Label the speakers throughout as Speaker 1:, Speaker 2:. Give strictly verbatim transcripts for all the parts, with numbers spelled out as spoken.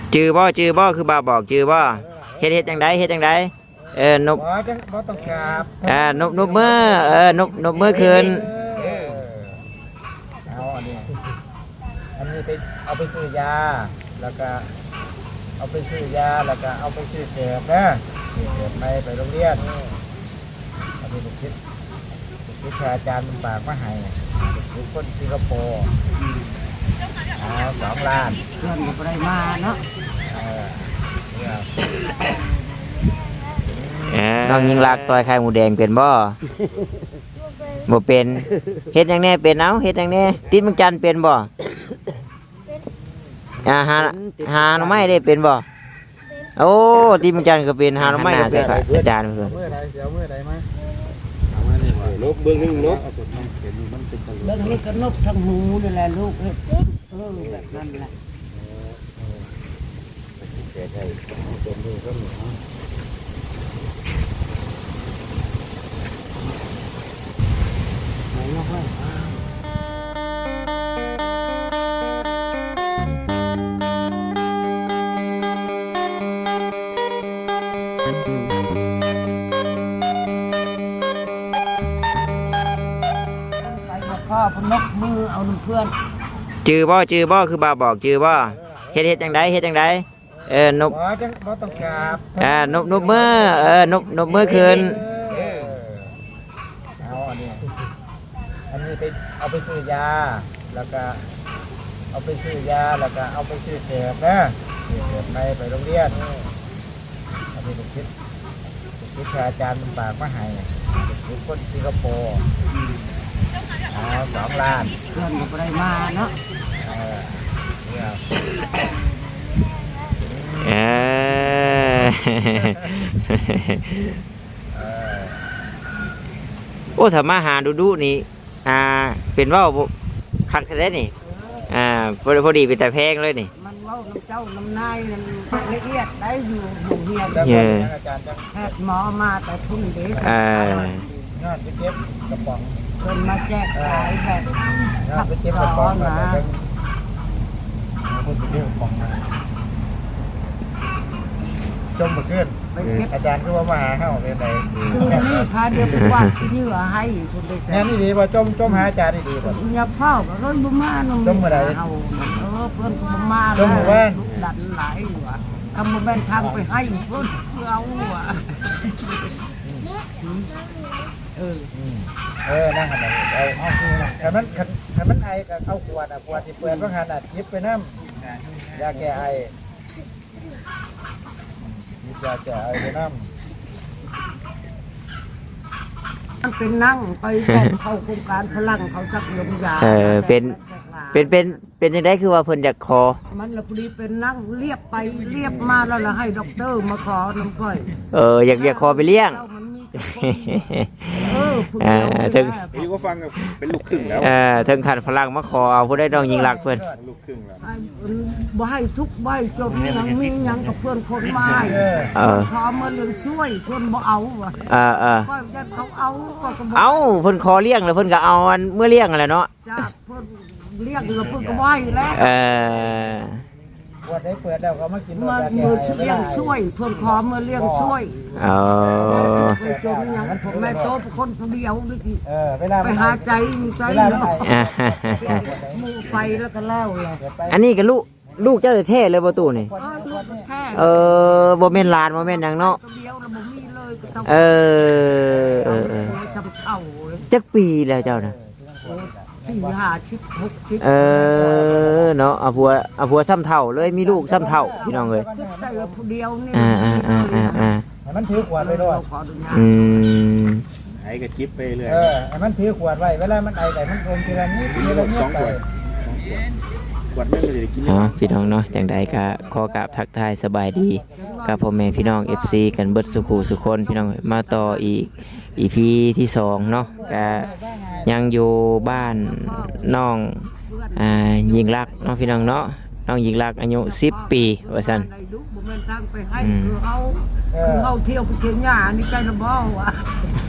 Speaker 1: จื้อบ่จื้อบ่คือบ่าวบอกจื้อบ่เฮ็ดเฮ็ดจังไดเฮ็ดจังไดเออนบ
Speaker 2: บ่จังบ่ต้องกราบ
Speaker 1: อ่านบนบมือเออนบนบมือคืน
Speaker 2: เออเอาอันนี้อันนี้ไปเอาไปซื้อยาแล้วก็เอาไปซื้อยาแล้วก็เอาไปซื้อเก็บนะซื้อเก็บไปไปโรงเรียนอันนี้ผมคิดผมคิดแค่อาจารย์มันฝากมาให้ทุกคนสิงคโปร์เอาสองล้าน
Speaker 3: เพื่อนก็บ่ได้มาเนาะ
Speaker 2: เออเนี่ย
Speaker 1: น้องยิงลากต่อยไข่หมูแดงเป็นบ่บ่เป็นเฮ็ดจังแน่เป็นเอ้าเฮ็ดจังแน่ติดมังจันเป็นบ่อ่าหาหาหน่อไม้ได้เป็นบ่โอ้ติดมังจันก็เป็นหาหน่อไม้ก็เป็นครับอาจารย์เพิ่น
Speaker 2: เมื่อไรเสียวเมื่อไรไหม
Speaker 4: ลบเบื้องหนึ่งลบ
Speaker 3: เรื่องนี้ก็นบทั้งหูนี่แหละลูกเอ้ยเออแบบนั้นแหละ
Speaker 2: เสียใจเสียดูก็มี
Speaker 3: ไหนเนาะเว้ย ไปกับพ่อพนกมือเอาน้ำเพื่อน
Speaker 1: จื้อบ่จื้อบ่คือบ่าวบอกจื้อบ่เฮ็ดเฮ็ดจังไดเฮ็ดจังไดเออนบ
Speaker 2: บ่จังบ่ต้องกราบ
Speaker 1: อ่านบนบมือเออนบนบมือคืน
Speaker 2: เออเอาอันนี้อันนี้ไปเอาไปซื้อยาแล้วก็เอาไปซื้อยาแล้วก็เอาไปซื้อเก็บนะซื้อเก็บไปไปโรงเรียนอันนี้ผมคิดผมคิดแค่อาจารย์มันฝากมาให้ทุกคนสิงคโปร์เอาสองล้าน
Speaker 3: เพื่อนก็บ่ได้มาเนาะ
Speaker 2: เออเนี่ย
Speaker 1: เออ
Speaker 2: เออ
Speaker 1: โอ้ถ้ามาหาดูดูนี่อ่าเป็นเว่าบ่คักแท้นี่อ่าพอดีพอดีเป็นแต่แพงเลยนี่
Speaker 3: มันเว้าน้ำเจ้าน้ำนายนั่นละเอียดได้อยู่อยู่เฮียน
Speaker 2: แล้ว
Speaker 1: เย้
Speaker 2: ก็อาจารย์จะ
Speaker 3: แพทย์หมอมาแต่พุ่นเด็ก
Speaker 1: อ่าง
Speaker 2: านไปเก็บกระป๋อง
Speaker 3: เพิ่นมาแจกขายแบบ
Speaker 2: งานไปเก็บกระป๋องมาแต่เป็นคนไปเก็บกระป๋องมาจมมาขึ้น
Speaker 3: ไปเก็บ
Speaker 2: อาจารย์ก็ว่ามาหาเข้าเป็นไง
Speaker 3: คือนี่พาเดียวไปวาดที่เหนือให้คนได้
Speaker 2: งานนี่ดีป่ะจมจมหาอาจารย์นี่ดีป่ะ
Speaker 3: อย่าเผาก็ร้อยบ่มาน้อง
Speaker 2: จมเมื่อใด
Speaker 3: เอาเออเพิ่นก็บ่มา
Speaker 2: จมเมื่อวาน
Speaker 3: ลูกดันหลายอยู่อ่ะคำบ่แม่นทางไปให้เพิ่นเอาอ่ะเออ
Speaker 2: เออนั่งกันเลยเอาเอาคือนะขันมันขันขันมันไอกับเอาขวดอ่ะขวดที่เปิดว่าขนาดยิบไปน้ำยาแก้ไอยิบยาแก้ไอไปน้ำ
Speaker 3: มันเป็นนั่งไปบอกเข้าโครงการพลังเขาจักยมยา
Speaker 1: เออเป็นเป็นเป็นเป็นจังไดคือว่าเพิ่นอยากขอ
Speaker 3: มันละพอดีเป็นนั่งเรียบไปเรียบมาแล้วละให้ด็อกเตอร์มาขอน้ำก้อย
Speaker 1: เอออยากอยากขอไปเลี้ยง
Speaker 3: มันมีแต่คนเออผู้
Speaker 1: อ่า
Speaker 3: เดียว
Speaker 1: ถึง
Speaker 4: พี่ก็ฟังกับเป็นลูกครึ่งแล้ว
Speaker 1: เอ่อถึงขันพลังมาขอเอาผู้ได้น้องยิงรักเพิ่น
Speaker 4: ลูกครึ่งแล้ว
Speaker 3: ไอ้บ่ให้ทุกใบจบยังมียังกับเพื่อนคนมาให้
Speaker 1: เออ
Speaker 3: ขอมาเรื่องช่วยเพื่อนบ่เอาว่ะ
Speaker 1: เออเออ
Speaker 3: ก็ยันเขาเอาก็ก็บ่
Speaker 1: เอาเพิ่นขอเลี้ยงแล้วเพิ่นก็เอาอันเมื่อเลี้ยงนั่นแหละเนาะ
Speaker 3: จ้าเพื่อนเรียกแล้วเพื่อนก็บ่ให้แล้ว
Speaker 1: เออ
Speaker 2: ขวดได้เปิดแล้วก็มากิน
Speaker 3: มา
Speaker 2: ยาแก้
Speaker 3: มือ
Speaker 2: ไอ
Speaker 3: เลี้ยงช่วยเพื่อนขอมาเลี้ยงช่วย
Speaker 1: เอา
Speaker 3: ไปจมยังผมแม่โตเป็นคนผู้เดียวนี่สิ
Speaker 2: เออเวลา
Speaker 3: ไปหาใจมีใจ
Speaker 2: เวลา
Speaker 3: เนาะ
Speaker 2: ไอ
Speaker 1: อ่า
Speaker 3: หมูไปแล้วก็แล้วเลย
Speaker 2: เดี๋ยวไป
Speaker 1: อันนี้ก็ลูกลูกเจ้าแท้เลยบ่ตู่นี่
Speaker 3: เออลูกมันแค่
Speaker 1: เออบ่แม่นหลานบ่แม่นหยังเนาะ
Speaker 3: ตัวเดียวแล้วบ่มีเลยก็ต้อง
Speaker 1: เออเออเออ
Speaker 3: จำเข่าเลย
Speaker 1: จักปีแล้วเจ้าน่ะ
Speaker 3: สี่ห้าชิดหกชิด
Speaker 1: เออเนาะเอาผัวเอาผัวซ้ำเท่าเลยมีลูกซ้ำเท่าพี่น้องเอ้ย
Speaker 3: ใจว่าผู้เดียวนี่
Speaker 1: อ่าอ่าอ่าอ่าอ่า
Speaker 2: ให้มันถือขวดไปด้วย
Speaker 3: ขออนุญาต
Speaker 1: อืม
Speaker 4: ไอ้กับจิ๊บไปเรื่อย
Speaker 2: เออให้มันถือขวดไว้เวลามันไอแต่มันอมทีละนิดทีละนิด
Speaker 4: สอง
Speaker 2: ไป
Speaker 4: ขวดขวดนึงก็จะได้กิน
Speaker 1: อ๋อพี่น้องเนาะจังใดก็ขอกราบทักทายสบายดีกับพ่อแม่พี่น้อง เอฟ ซี กันเบิดสุขูสุคนพี่น้องมาต่ออีก อี พี ที่สองเนาะก็ยังอยู่บ้านน้องอ่ายิงรักเนาะพี่น้องเนาะน้องยิงรักอายุสิบปีว่าซั่น
Speaker 3: ได้ดูบ่แม่นทางไปให้
Speaker 1: อืม
Speaker 3: คือเอา
Speaker 2: เอ
Speaker 3: คือ
Speaker 2: อ
Speaker 3: เอาเที่ยวไปเที่ยวหญ้านี่ใจระบ้ว่ะ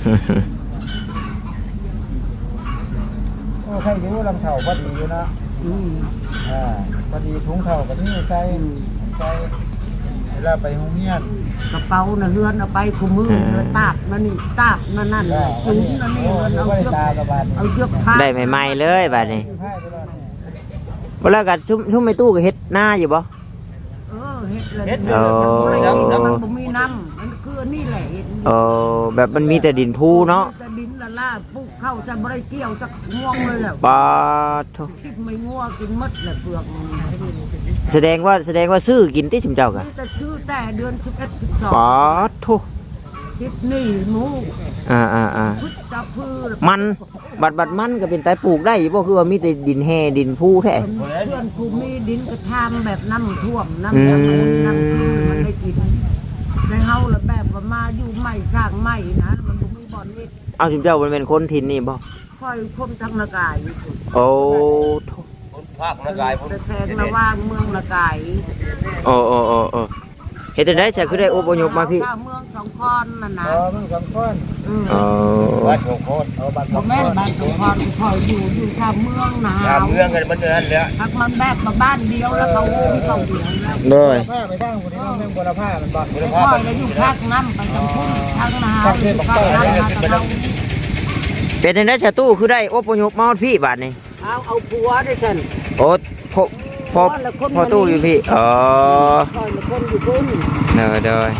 Speaker 2: โอ้ใครอยู่ลำเท่าพอดีอยู่นะ
Speaker 3: อืม
Speaker 2: อ่าพอดีถุงเท่ากับนี่ใส่
Speaker 3: อืม
Speaker 2: ใใส่เวลาไปโรงเรียน
Speaker 3: กระเป๋าน่ะเฮือนเอาไปคุมือเลยตากนั่นนี่ตากนั่นนั่น
Speaker 2: ก็
Speaker 3: จุ
Speaker 2: อัน
Speaker 3: ง
Speaker 2: นี้
Speaker 3: นั่นนี่
Speaker 2: โอ้
Speaker 3: มัน
Speaker 2: ย
Speaker 3: เอา
Speaker 2: บ่ได้
Speaker 3: เชือก
Speaker 2: ตากระบาดนี่
Speaker 3: เอาเชือกผ้า
Speaker 1: ได้ใหม่ๆเลยบัดนี้
Speaker 2: ผ้าไปแล้วนี่
Speaker 1: บ่แล้วก็ชุ่มชุ่มในตู้ก็เฮ็ดหน้าอยู่บ่
Speaker 3: เออเฮ็ดเลย
Speaker 2: เฮ็ด
Speaker 3: เอ
Speaker 2: เลย
Speaker 3: อมันบ่มีน้ำมันคืออันนี่แหละเฮ็ด
Speaker 1: เออแบบมันมีแต่ดินพูเนาะ
Speaker 3: จะดินละล่าปลูกเข้าจะบ่ได้เกี่ยวจะง่วงเลยแหละ
Speaker 1: ปาดโถ
Speaker 3: คิดไม่ง่วงกินหมดแหละเปลือกมัน
Speaker 1: แสดงว่าแสดงว่าซื้อกินที่ชุมเจ้ากะ
Speaker 3: นี่จะชื่อแต่เดือนสิบเอ็ดสิบสอง
Speaker 1: ปาดโถ
Speaker 3: คิดนี่หมู
Speaker 1: อ่าอ่าอ่า
Speaker 3: พุทธพืช
Speaker 1: มันบัดบัดมันก็เป็นไตปลูกได้อยู่บ่คือว่ามีแต่ดินแห่ดินพูแท้
Speaker 3: เพื่อนกูมีดินกระทำแบบน้ำท่วมน้ำ
Speaker 1: อืม
Speaker 3: น้ำน้ำชื่อมันได้กินในเฮาละแบบว่ามาอยู่ใหม่สร้างใหม่นะมันบ่มีบ่อนนี่
Speaker 1: เอาชุมเจ้ามันเป็นคนถิ่นนี่บ่
Speaker 3: ค่อยคนทางละกายอยู่
Speaker 1: โอ้โถ
Speaker 2: ภาคละกายผม
Speaker 3: แต่แทงละว่างเมืองละกาย
Speaker 1: โอ้โอ้โอ้โอ้เฮ็ดจังได๋จะคือได้อพยพมาพี่
Speaker 3: เจ้เมืองสองคอนน่ะนะ
Speaker 2: เออมันสองคน
Speaker 3: อืม
Speaker 1: โอ้
Speaker 2: วัดโคโคตรเอาบัตรส
Speaker 3: บ่
Speaker 2: องค
Speaker 3: แม่น
Speaker 2: น
Speaker 3: บ้านสองคอนคอยอยู่อยู่ชาวเมืองหนาย
Speaker 2: าม
Speaker 3: ว
Speaker 2: เมืองกันมันอย่างนั้นแหละ
Speaker 3: พักมันแบบมาบ้านเดียวแล้วเขาโอ้มเขาเดียวแล้ว
Speaker 1: โดย
Speaker 2: ผ้าไปทางคนนี้เมืองบัวผ้ามันบักบัว
Speaker 3: ค่
Speaker 2: ผ้า
Speaker 3: อยแล้วอยู่ภาคน้ำไปทางพุ่นทางนา
Speaker 2: ภาคเส้น
Speaker 3: ภา
Speaker 2: ภา
Speaker 3: ค
Speaker 2: คใต้
Speaker 3: น้ำมา
Speaker 2: เนี่ย
Speaker 3: ทางเรา
Speaker 1: เป็นจังได๋ชะตู้คือได้อพยพมาฮอดพี่บาดนี้
Speaker 3: เอาเอาผัวได้ฉัน
Speaker 1: โอ้พอพอพอตู้อยู่พี่อ๋อ
Speaker 3: คอยละคนอยู่พุ่น
Speaker 1: เด้อเด้อ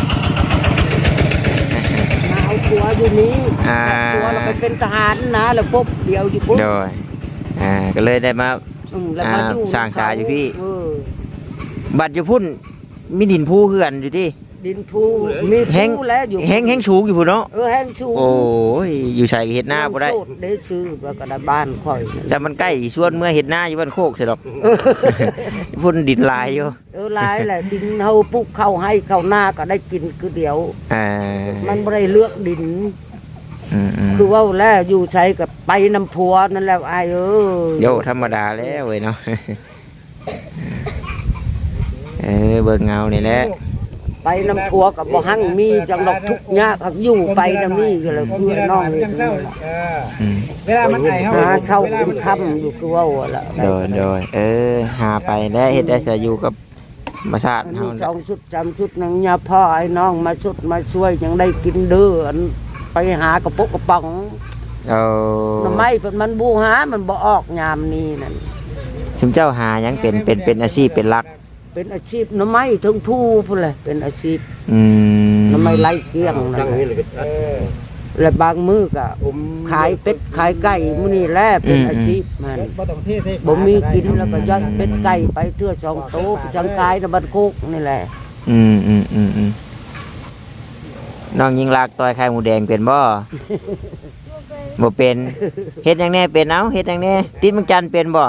Speaker 3: มาเอาผัวอยู่นี้
Speaker 1: อ่า
Speaker 3: ผัวเราไปเป็นทหารนะแล้วพบเดียวอยู่พุ่น
Speaker 1: โดยอ่าก็เลยได้มา
Speaker 3: อืมแล้วมาอยู่
Speaker 1: อ่าสร้างชาอยู่พี่
Speaker 3: เออ
Speaker 1: บัดอยู่พุ่นมีดินพูคือกันอยู่ที่
Speaker 3: ดินภูมี
Speaker 1: แห้ง
Speaker 3: ภูแล้วอยู่
Speaker 1: แห้งแห้งสูงอยู่พุ่นเนาะ
Speaker 3: เออแห้งชู
Speaker 1: โอ้ยอยู่ใส่เฮ็ดหน้าบ่ได้
Speaker 3: โสได้ซื้อแล้วก็ได้บ้านค่อย
Speaker 1: แต่มันใกล้สวนเมื่อเฮ็ดหน้าอยู่บ้านโคกสิดอก พุ่นดินลายอยู่
Speaker 3: เออหลายแหละดินเฮาปลูกเข้าให้เข้าหน้าก็ได้กินคือเดียว
Speaker 1: อ่า
Speaker 3: มันบ่ได้เลือกดิน
Speaker 1: อืมอืม
Speaker 3: คือว่าแล้วอยู่ใช้กับไปน้ำพัวนั่นแหละไอ้เออ
Speaker 1: โยธรรมดาแล้วเว้ยเนาะ เออเบิ่งเงานี่แหละ
Speaker 3: ไปน้ำพัวกับบ่หั่งมีจังดอกทุกข์ยากหักอยู่ไปนำนี่ก็เลยเพื่อนน้องเลย
Speaker 2: ยังเศร้าเออ
Speaker 1: อืม
Speaker 2: เวลามันไอเฮา
Speaker 3: หาเช่าเป็นค่ำอยู่คือว่าล่ะ
Speaker 1: โดยโดยเออหาไปแล้วเฮ็ดได้จะอยู่กับธรรมชาติ
Speaker 3: มัน
Speaker 1: เฮา
Speaker 3: มีสองชุดจำชุดหนึงยาพ่อไอ้น้องมาชุดมาช่วยยังได้กินเด้ออันไปหากระปุกกระป๋อง
Speaker 1: เอา
Speaker 3: หน่อไม้เพิ่นมันบูหามันบ่ออกยามนี้นั่น
Speaker 1: ชุมเจ้าหาหยังเป็นเป็นเป็นอาชีพเป็นหลัก
Speaker 3: เป็นอาชีพหน่อไม้ถึงผู้พุ่นแหละเป็นอาชีพ
Speaker 1: อืม
Speaker 3: หน่อไม้ไล่เกลี้ยงนั่นแหละ
Speaker 2: เออ
Speaker 3: และบางมื้อก็ขายเป็ดขายไก่มื้อนี้แหละเป็นอาชีพมัน
Speaker 2: บ่ต้องเทใส่
Speaker 3: บ่มีกินแล้วก็ย่อยเป็ดไก่ไปเทื่อสองโต๊ะจังกายในบ้านโคกนี่แหละ
Speaker 1: อืมอืมอืมอืมน้องยิงลากต่อยไข่หมูแดงเป็นบ่บ่เป็นเฮ็ดหยังแน่เป็นเอ้าเฮ็ดหยังแน่ติดมังจันทร์เป็นบ่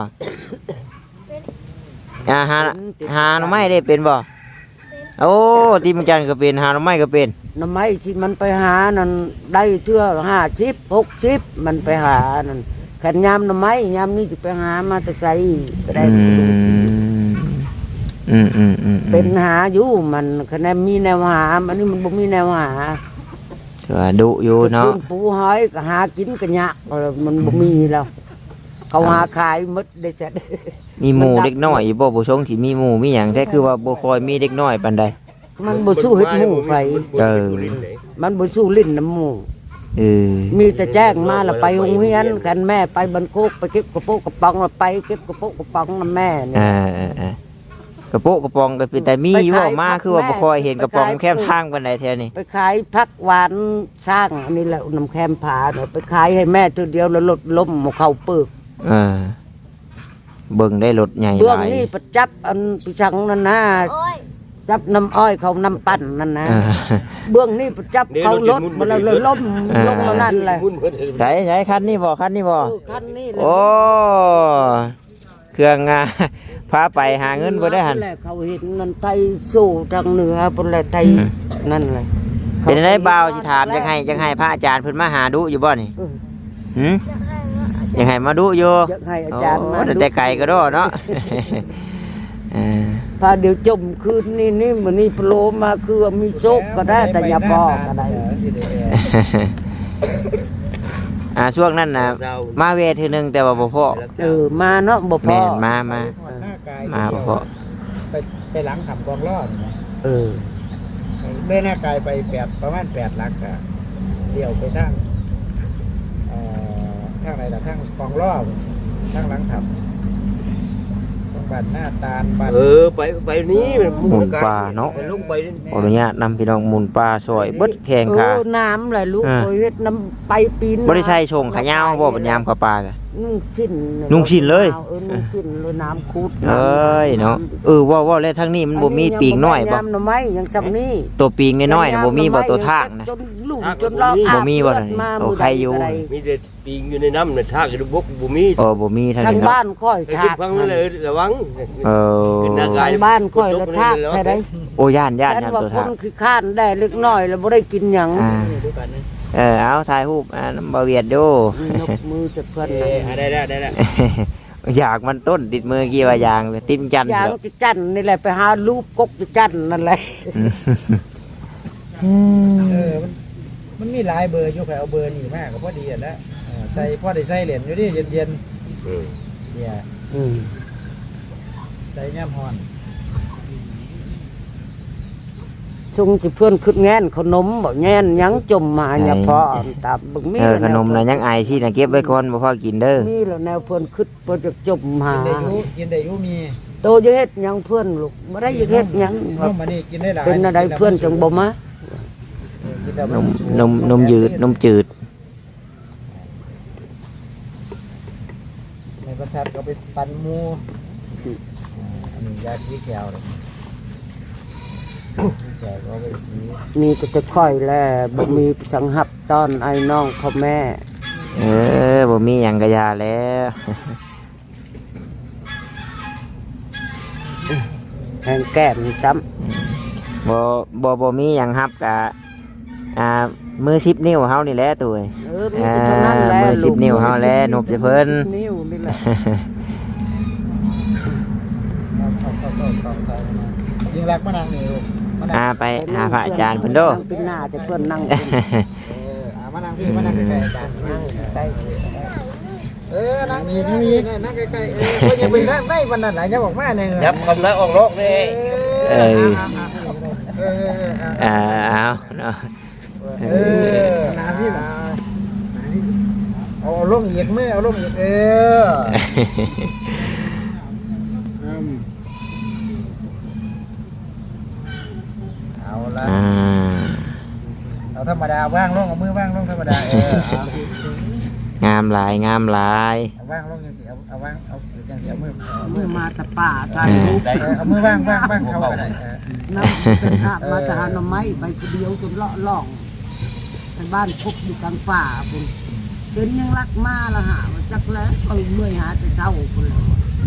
Speaker 1: อ่าหาหาหน่อไม้ได้เป็นบ่โอ้ติดมังจันทร์ก็เป็นหาหน่อไม้ก็เป็น
Speaker 3: หน่อไม้ที่มันไปหานั่นได้เทื่อห้าสิบหกสิบมันไปหานั่นขันยามหน่อไม้ยามนี้จะไปหามาแต่ไกลก็ได้
Speaker 1: อืมอืมอืมอืม
Speaker 3: เป็นหาอยู่มันคะแนนมีแนวหามันนี่มันบ่มีแนวหา
Speaker 1: ถือว่าดุอยู่เนาะ
Speaker 3: ขึ้ปูหอยก็หากินกันยากเออมันบ่มีแล้วเขาหาขายหมดได้จัด
Speaker 1: มีหมู่เด็กน้อยอยู่บ่ผู้ชงที่มีหมู่มีหยังแต่คือว่าบ่ค่อยมีเด็กน้อยปานใด
Speaker 3: มันบ่สู้เฮ็ดหมู่ไป
Speaker 1: เออ
Speaker 3: มันบ่สู้ลิ้นน้ำหมู่
Speaker 1: เออ
Speaker 3: มีแต่แจ้งมาแล้วไปโรงเรียนกันแม่ไปบันโคกไปเก็บกระโปงกระป๋องแล้วไปเก็บกระโปงกระป๋องนำแม่เนี่ย
Speaker 1: อ่าอ่าอ่ากระโปะกระปองก็เป็นแต่มีอยู่บ่มาคือว่าบ่ค่อยเห็นกระปองแคบทางปานใดแท้นี่
Speaker 3: ไปขายผักหวานสร้างอันนี้แหละน้ำแคมผาเนี่ยไปขายให้แม่ตัวเดียวแล้วลดล้มหมเข้าปึก
Speaker 1: เออเบิ่งได้รถใหญ่
Speaker 3: เบื้
Speaker 1: ห
Speaker 3: อง
Speaker 1: ลาย
Speaker 3: นี่ประจับอันปิชังนั่นนะจับน้ำอ้อยเขาน้ำปั่นนั่นนะ
Speaker 1: เออ
Speaker 3: เบื้องนี่ประจับเขารถมาแล้วเลยล้มลงมานั่นแหละ
Speaker 1: ใส่ใส่คันนี้บ่คันนี้บ่
Speaker 3: เออคันนี้แหละ
Speaker 1: โอ้เครื่องงา พาไปหาเงินบ่ได้หั่น
Speaker 3: แหละเขาเห็นนั่นไทยสู้ทางเหนือพุ่นแหละไทย
Speaker 1: อืม
Speaker 3: นั่นเลย
Speaker 1: เป็นได้บ่าวสิถามจังให้จังให้พระอาจารย์เพิ่นมาหาดุอยู่บ่นี่
Speaker 3: เออ
Speaker 1: หืมยังให้มาดุอยู่
Speaker 3: อยากให้อาจารย์มา
Speaker 1: โอ้
Speaker 3: ดู
Speaker 1: แต่ไกลก็ดอเนาะ เออ
Speaker 3: พาเดี๋ยวจมคืนนี่นี่มันนี่โผล่มาคือมีโชคก็ได้แต่อย่าพอก็ได้
Speaker 1: อ่าช่วงนั้นน่ะมาเวททีนึงแต่ว่าบ่พอ
Speaker 3: เออมาเนาะบ่พอ
Speaker 1: แม่นมามา
Speaker 2: หน้ากาย
Speaker 1: มาบ่พอ
Speaker 2: ไปไปหลังทำกองล้อนี่นะ
Speaker 3: เออ
Speaker 2: เมื่อหน้ากายไปแปดประมาณแปดหลักอะเดี่ยวไปทางเอ่อทางไหนล่ะทางกองล้อทางหลังทำตรงบ้านหน้าตาลบ้าน
Speaker 5: เออไปไปนี้
Speaker 1: หมุนปลาเนาะ
Speaker 5: ไปลงไป
Speaker 1: ขออนุญาตนำพี่น้องหมุนปลาซอยเบิดแข่ง
Speaker 3: เอ
Speaker 1: ค่ะ
Speaker 3: อน้ำแหละลูก
Speaker 1: อ่า
Speaker 3: โอ้ยเฮ็ดน้ำไปปีน
Speaker 1: บ่ได้ใช้ชงขายาวบ่ปัญญามกับปลากะ
Speaker 3: นุ่งชิ้น
Speaker 1: นุ่งชิ้นเลย
Speaker 3: เออนุ่งชิ้นเลยน้ำคูด
Speaker 1: เอ้ยเนาะเออว่าว่าแล้วทางนี้มันบ่มีปีกน้อยบ่
Speaker 3: ยำหน่อไม้ยังซ้ำนี่
Speaker 1: ตัวปีกน้อยๆน่ะบ่มีบ่ตัวทางนะ
Speaker 3: จนลูกจนลอก
Speaker 1: บ่มีบ่
Speaker 3: อาบ
Speaker 1: นั่นนี่
Speaker 3: มา
Speaker 1: โอ้
Speaker 3: มื้
Speaker 1: ใครอยู่
Speaker 3: ใด
Speaker 5: มีแต่ปีงอยู่ในน้ำในทากอยู่บกบุมี
Speaker 1: เออบ่มีทาง
Speaker 3: ทาง
Speaker 1: นี้เนาะ
Speaker 3: บ้านค่อย
Speaker 5: ให้
Speaker 3: ทา
Speaker 5: ขึ้น
Speaker 3: ก
Speaker 5: ฟังนั่นเลยระวัง
Speaker 1: เออ
Speaker 5: ขึ้นหน้ากาย
Speaker 3: ทางบ้านค่อยละทากใช่ได
Speaker 1: โอ้ย่านย่าน
Speaker 3: ฉัน
Speaker 1: ย่าน
Speaker 3: ว่า
Speaker 1: ตัว
Speaker 3: ค
Speaker 1: ทาง
Speaker 3: นคือข้านได้เล็กน้อยแล้วบ่ได้กินหยัง
Speaker 1: อ่าเออเอาถ่ายรูปอ่าน้ำบ่เวียดดู
Speaker 3: นกมือจะเพิ่น
Speaker 5: เออได้ได้ได้ได้
Speaker 1: อยากมันต้นติดมือกี่ว่ายางเลยติดจันทร์
Speaker 3: ยาง
Speaker 1: เหรอ
Speaker 3: จะจันนี่แหละไปหารูปกกจะจันนั่นแหละ
Speaker 1: อืม
Speaker 2: เออมันมันมีหลายเบอร์อยู่ใครเอาเบอร์นี่มากก็พอดีอ่ะนะเออใส่พอได้ใส่เหรียญอยู่ดิเย็นเย็น
Speaker 5: เออ
Speaker 2: ๆเนี่ย
Speaker 3: อืม
Speaker 2: ใส่ย่ำฮอน
Speaker 3: ชงสิเพื่อนขึ้นแง่นขนมบ่แง่นหยังจมมาอย่าพอตามบึงมี
Speaker 1: เออขนมนะยังไอายสินะเก็บไว้ก่อนบ่พอกินเด้อ
Speaker 3: มีแล้วแนวเพื่อนขึ้นเพื่อนจะจมหา
Speaker 2: กินได้อยุกินได้อยุมี
Speaker 3: โตจะเฮ็ดหยังเพื่อนลูกบ่ได้จะเฮ็ดหยัง
Speaker 2: นมมานี่กินได้หลาย
Speaker 3: เป็นอะไรเพื่อนจังบ่มา
Speaker 2: เออกินแล้ว
Speaker 1: นมนมนมยืดนมจืด
Speaker 2: ในประทัดก็ไปปั่นหมูอันนี้ยาสีแขวเลยสีแขวก็เอาไปสี
Speaker 3: มีก็จะค่อยแลบ่มีสังหับตอนไอ้น้องพ่อแม่
Speaker 1: เออบ่มีหยังกะยาแล้ว
Speaker 3: แหงแก้มซ้ำ
Speaker 1: บ่บ่บ่มีหยังฮับกะอ่ามือสิบนิ้วเฮานี่แหละตัวเอ้ย
Speaker 3: เออมีแต่เท่านั้นแหละ
Speaker 1: มือสิบนิ้วเฮาแลนบจะเพิ่น
Speaker 3: นิ้วนี่แหละ
Speaker 2: เอาเอาเอาเอาเอาเอายิงรักมะนางนี่ลูกมะนาง
Speaker 1: อ่าไปหาพระอาจารย์เพิ่นเด้อ
Speaker 3: นั่งเป็นหน้าแต่เพื่อนนั่งเป็น
Speaker 2: เออเอามะนางพี่มะนางใกล้ๆอาจารย์นั่งใกล้เออนั่งนี่นั่งนี่นั่งใกล้ๆเออเพิ่นยังไปนั่งได้วันนั้นหลายอย่าบอกมาเนี่ย
Speaker 5: ยับคำนั้นออกนอกเลย
Speaker 2: เออเออเออ
Speaker 1: อ่าเอาเนาะ
Speaker 2: เออน้ำพี่เอาลงอีกมือเอาลงอีกเออเอาละ
Speaker 1: อ่า
Speaker 2: เอาธรรมดาว่างลงเอามือว่างลงธรรมดาเออเอา
Speaker 1: งามหลายงามหลาย
Speaker 2: เอาว่างลงยังสิเอาเอาว่างเอายังสิเอามือเอามื
Speaker 3: มื
Speaker 2: อ
Speaker 3: อมาแต่ป่าถ่ายรูป
Speaker 2: เออเอามือว่างว่างว่างเข้ากันได้เออ
Speaker 3: น้ำเป็นหามาแต่หาหน่อไม้ไปคนเดียวจนเลาะล่องไปบ้านพกอยู่กลางป่าคุณเดินยังรักมาละหาว่าจักแล้วเอาเมื่อยหาแต่เช้าคุณแล้ว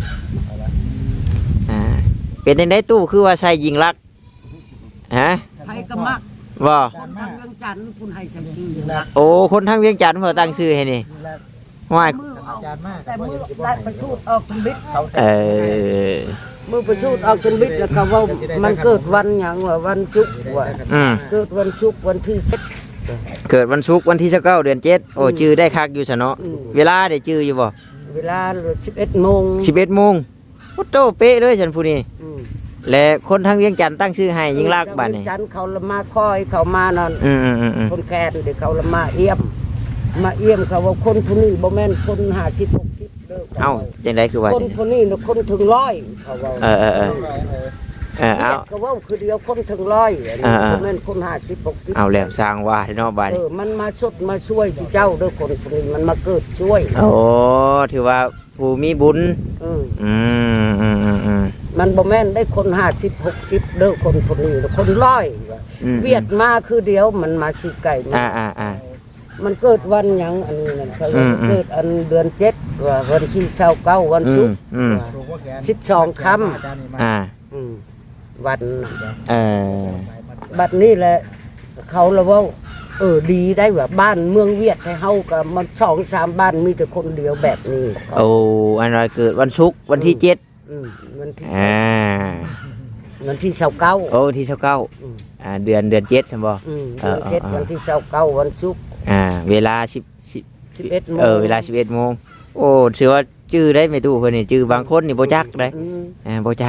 Speaker 1: อ่าเป็นจังได๋ตู้คือว่าใส่ยิงลักษณ์ฮะ
Speaker 3: ใครก็มัก
Speaker 1: บ่
Speaker 3: คนทางเรื่องจันทร์คุณให้จังชื่อยิงรัก
Speaker 1: โอ้คนทางเวียงจันทน์เพิ่นตั้งชื่อให้นี่ห้วย
Speaker 3: มือเอา
Speaker 2: อาจารย์มาก
Speaker 3: แต่มือได้ประสูดออกจนบิด
Speaker 2: เขา
Speaker 1: เออ
Speaker 3: มือประสูดออกจนบิดแล้วก็ว่ามันเกิดวันหยังว่าวันศุกร์ว่า
Speaker 1: อืม
Speaker 3: เกิดวันศุกร์วันที่สิบ
Speaker 1: เกิดวันศุกร์วันที่สิบเก้าเดือนเจ็ดโอ้จื้อได้คักอยู่ซะเนาะ
Speaker 3: อืม
Speaker 1: เวลาได้จื้ออยู่บ่
Speaker 3: เวลาสิบเอ็ดโมง
Speaker 1: สิบเอ็ดโมงโอ้โตเป๊ะเลยฉันผู้นี้
Speaker 3: อืม
Speaker 1: และคนทางเวียงจันทน์ตั้งชื่อให้ยิงลักษณ์บัดนี้
Speaker 3: จันทร์เขาละมาคอยเขามานั่น
Speaker 1: อืมอืมอืมอืม
Speaker 3: คนแก่เดี๋ยวเขาละมาเอี่ยม มาเอี่ยมเขาว่าคนผู้นี้บ่แม่นคนห้าสิบหกสิบเด้อ
Speaker 1: เอ้าจังไดคือว่า
Speaker 3: คนผู้นี้น่ะคนถึงร้อยเขาว่า
Speaker 1: เออเออเออเออเอา
Speaker 3: รียกก็ว่าคือเดียวคนถึงร้อยอันนี้
Speaker 1: อ่าๆ
Speaker 3: บ่แม่นคนห้าสิบหกสิบ
Speaker 1: เอาแล้วสร้างว่าเนาะบัด
Speaker 3: เอ
Speaker 1: นี้
Speaker 3: อมันมาชดมาช่วยที่เจ้าเด้อคนผู้นี้มันมาเกิดช่วย
Speaker 1: โอ้ถือว่าผู้มีบุญ
Speaker 3: เออ
Speaker 1: อืมอืมอืมอืม
Speaker 3: มันบ่แม่นได้คนห้าสิบหกสิบเด้อคนผู้นี้น่ะคนร้อย
Speaker 1: อืม
Speaker 3: เวียดมาคือเดียวมันมาชี้ไก่มา
Speaker 1: อ่าอ่าอ่า
Speaker 3: มันเกิดวันหยังอันนี้นั่นเขา
Speaker 1: อืมอืม
Speaker 3: เกิดอันเดือนเจ็ดว่าวันที่เช้าเก้าวัน
Speaker 1: อื
Speaker 3: ศุ
Speaker 1: ม
Speaker 3: กร์
Speaker 1: อืม
Speaker 2: ถูกว่าแขน
Speaker 3: สิบสองคำ
Speaker 2: อาจารย์นี่มา
Speaker 1: อ่า
Speaker 3: อืมวันน่ะ
Speaker 1: เออ
Speaker 3: บัดนี้แหละเขาละว่าเออดีได้ว่าบ้านเมืองเวียดให้เฮากับมันสองสามบ้านมีแต่คนเดียวแบบนี้
Speaker 1: โอ้อันนั้นเกิดวันศุกร์วันที่เจ็ด
Speaker 3: อืมวันที่
Speaker 1: อ่า
Speaker 3: วันที่เช้าเก้า
Speaker 1: โอ้วันที่สิบเก้า
Speaker 3: อืม
Speaker 1: อ่าเดือนเดือนเจ็ดใช่บ่
Speaker 3: อืม
Speaker 1: เอ
Speaker 3: เดือ
Speaker 1: อน เออ
Speaker 3: เจ็ดวันที่เช้าเก้าวันศุกร์
Speaker 1: อ่าเวลาสิบสิบ
Speaker 3: สิบเอ็ดโมง
Speaker 1: เออเวลาสิบเอ็ดโมงโอ้ถือว่าชื่อได้ไม่ตู้เพิ่นนี่ชื่อบางคนนี่บ่จักได้
Speaker 3: อืม
Speaker 1: อ่าบ่จัก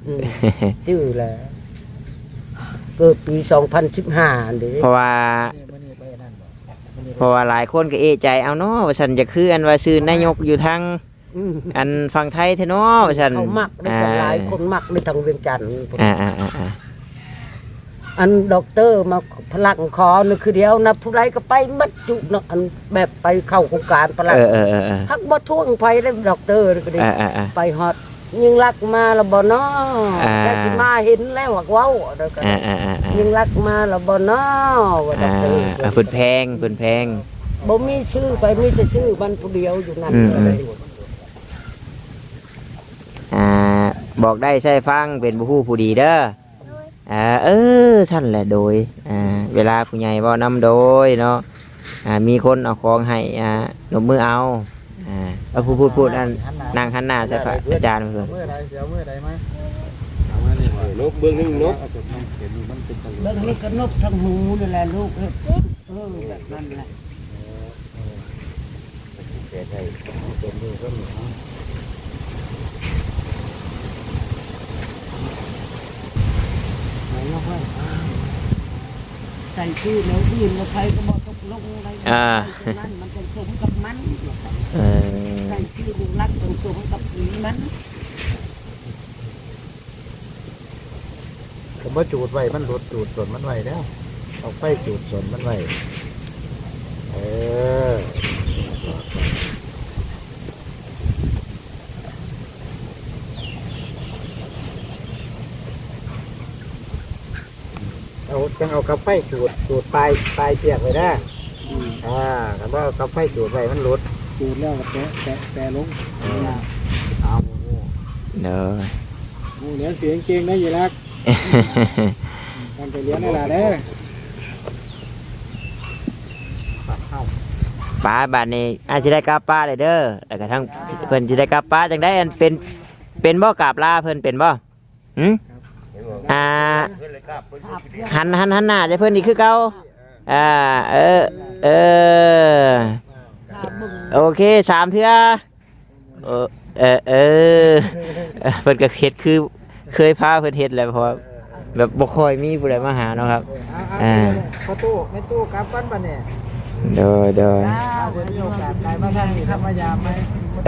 Speaker 3: อืมชื่อแหละเกิดปีสองพันสิบห้าเด้
Speaker 1: เพราะว่า
Speaker 2: นี่มื้อนี้ไปนั่นบ่มื้อนี้
Speaker 1: เพราะว่าหลายคนก็เอะใจเอาเนาะว่าฉันจะคืออันว่าชื่อนายกอยู่ทาง
Speaker 3: อืม
Speaker 1: อันฝั่งไทยเทเนาะว่าฉัน
Speaker 3: เขามักได้หลายคนมักในทางเวียงจันทร์
Speaker 1: อ่าอ่าอ่าอ่า
Speaker 3: อันด็อกเตอร์มาพลังคอนึกคือเดียวนะผู้ใดก็ไปมัดจุเนาะอันแบบไปเข้าโครงการพลัง
Speaker 1: เออเออเออเออ
Speaker 3: ฮักบ่ท่วงไปได้ด็อกเตอร์ก็ดี
Speaker 1: อ่าอ่าอ่า
Speaker 3: ไปฮอดยิงรักมาแล้วบ่เนาะ
Speaker 1: อ่า
Speaker 3: แต่สิมาเห็นแล้วว่าเว้าเด้อก็
Speaker 1: อ่าอ่าอ่าอ่า
Speaker 3: ยิงรักมาแล้วบ่เนาะว่าด็อกเตอร์
Speaker 1: อ่าฝืนแพงฝืนแพง
Speaker 3: บ่มีชื่อไปมีแต่ชื่อมันผู้เดียวอยู่นั่น
Speaker 1: อืมอืม
Speaker 3: เลย
Speaker 1: อ่าบอกได้ใช่ฟังเป็นผู้ผู้ผู้ดีเด้ออ่าเออท่านแหละโดยอ่าเวลาผู้ใหญ่บ่นำโดยเนาะอ่ามีคนเอาของให้อ่าหนมมือเอาอ่าเอาพูดพูดพูดอันนางหันหน้าใช่พระอาจารย์เพื่อน
Speaker 2: มื้อใดเสียวมื้อใดมา
Speaker 5: นกเบื้องหนึงนก
Speaker 4: เห็นมันเป็นตะ
Speaker 3: เบิ่งนี่ก็นบทั้งหูนี่แหละลูกเอ้ยเออแบบนั้นแหละ ใส่ชื่อแล้วอื่นแล้วใครก็บอกตกลงอะไร
Speaker 1: อ่า
Speaker 3: นั้นมันต้องสมกับมัน
Speaker 1: เออ
Speaker 3: ใส่ชื่อลูกรักต้องสมกับสีมัน
Speaker 2: ผมว่าจูดไว้มันหลุดจูดส่วนมันไว้แล้วเอาไฟจูดส่วนมันไว้เออเอาจังเอากระไฟจูดจูดปลายปลายเสียบไว้ได้อ่าคำว่ากระไฟจูดไว้มันหลุด
Speaker 4: จูดแล้วก็แปะแปะแปะลง
Speaker 2: เอา
Speaker 1: เด้อ
Speaker 4: หมูเหลียนเสียงเก่งได้ยี่รักทำไปเลี้ยงได้ละเด้อ
Speaker 1: ป้าบาดนี้อาจจะได้กราบป้าเลยเด้อแล้วก็ทั้งเพิ่นจะได้กราบป้าจังได้อันเป็นเป็นบ่กราบลาเพิ่นเป็นบ่หืมอ่าหันหันหันหน้าจะเพิ่นนี่คือเก่าอ่าเออเออโอเคสามเทื่อเออเออเออเพิ่นก็เฮ็ดคือเคยพาเพิ่นเฮ็ดแหล้วเพราะว่าแบบบ่ค่อยมีผู้ใดมาหาเนาะครับ
Speaker 2: อ่าประตูไม่ตู้กลับบ้านบ้านเนี่ย
Speaker 1: โดยโดย
Speaker 2: ถ้าจะมีโอกาสไปมาทางนี้ทำมายามไหม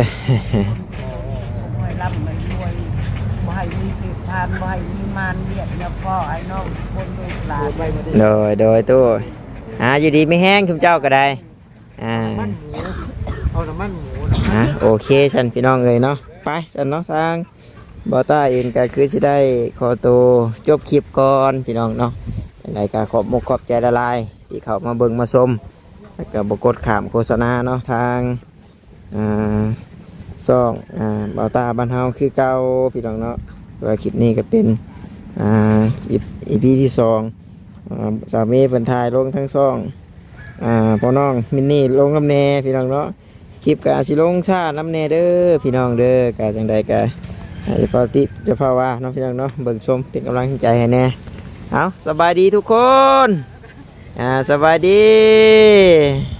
Speaker 3: รวยร่ำมันรวยบ่ให้มีผิดทานบ่ให้มีมารเบียดแล้วก็ไอ้น้องคนลูกหลาน
Speaker 2: ไปมาดิ
Speaker 1: โดยโดยตู้อ่าอยู่ดีไม่แห้งคุณเจ้าก็ได้อ่า
Speaker 2: มันหมูเอาน้ำมันหมูนะ
Speaker 1: อ่ะโอเคฉันพี่น้องเลยเนาะไปฉันเนาะทางบอต้าเองก็คือจะได้ขอตัวจบคลิปก่อนพี่น้องเนาะยังไงก็ขอบมกขอบใจละลายที่เขามาเบิ่งมาชมแล้วก็บกดขามโฆษณาเนาะทางอ่าซ่องอ่าบอต้าบ้านเฮาคือเก่าพี่น้องเนาะว่าคลิปนี้ก็เป็นอ่าอีพีที่สองอ่าสามีเป็นทายลงทั้งซ่องอ่าพ่อน้องมินนี่ลงน้ำแน่พี่น้องเนาะคลิปกาสิลงชาน้ำแน่เด้อพี่น้องเด้อกาจังใดกาจะพาติจะพาว่าเนาะพี่น้องเนาะเบิ่งชมเป็นกำลังใจให้แน่เอาสบายดีทุกคนอ่าสบายดี